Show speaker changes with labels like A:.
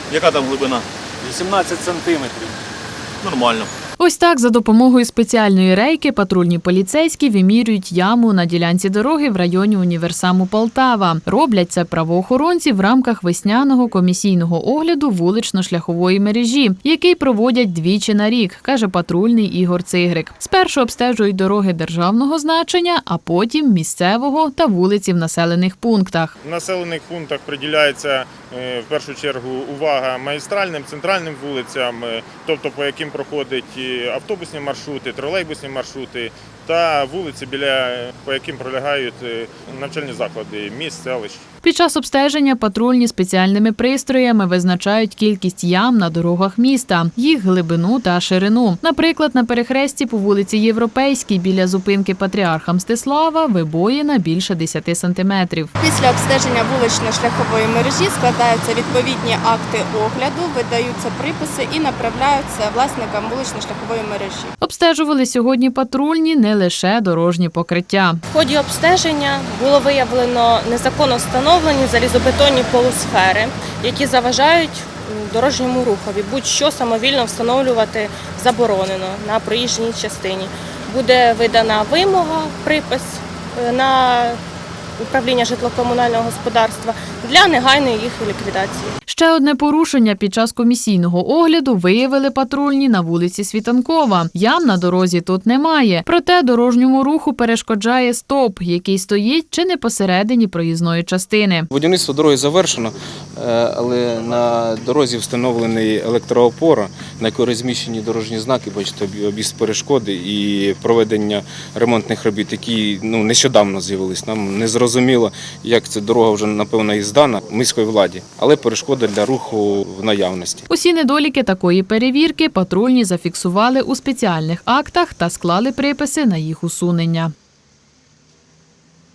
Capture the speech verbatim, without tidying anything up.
A: Яка там глибина?
B: вісімнадцять сантиметрів.
A: Нормально.
C: Ось так за допомогою спеціальної рейки патрульні поліцейські вимірюють яму на ділянці дороги в районі універсаму Полтава. Роблять це правоохоронці в рамках весняного комісійного огляду вулично-шляхової мережі, який проводять двічі на рік, каже патрульний Ігор Цигрик. Спершу обстежують дороги державного значення, а потім місцевого та вулиці в населених пунктах.
D: В населених пунктах приділяється в першу чергу увага магістральним, центральним вулицям, тобто по яким проходять автобусні маршрути, тролейбусні маршрути та вулиці, біля по яким пролягають навчальні заклади міст, селищ.
C: Під час обстеження патрульні спеціальними пристроями визначають кількість ям на дорогах міста, їх глибину та ширину. Наприклад, на перехресті по вулиці Європейській біля зупинки Патріарха Мстислава вибоїна більше десяти сантиметрів.
E: Після обстеження вулично-шляхової мережі складаються відповідні акти огляду, видаються приписи і направляються власникам вулично-шляхової мережі.
C: Обстежували сьогодні патрульні не лише дорожні покриття.
F: В ході обстеження було виявлено незаконно встановлені залізобетонні полусфери, які заважають дорожньому рухові. Будь-що самовільно встановлювати заборонено на проїжджій частині. Буде видана вимога, припис на управління житлово-комунального господарства для негайної їх ліквідації.
C: Ще одне порушення під час комісійного огляду виявили патрульні на вулиці Світанкова. Ям на дорозі тут немає. Проте дорожньому руху перешкоджає стовп, який стоїть чи не посередині проїзної частини.
G: Будівництво дороги завершено, але на дорозі встановлений електроопора, на якій розміщені дорожні знаки, бачите, об'їзд перешкоди і проведення ремонтних робіт, які ну, нещодавно з'явились. Нам не зрозуміло, як ця дорога вже, напевно, і здана міській владі, але перешкоди для руху в наявності.
C: Усі недоліки такої перевірки патрульні зафіксували у спеціальних актах та склали приписи на їх усунення.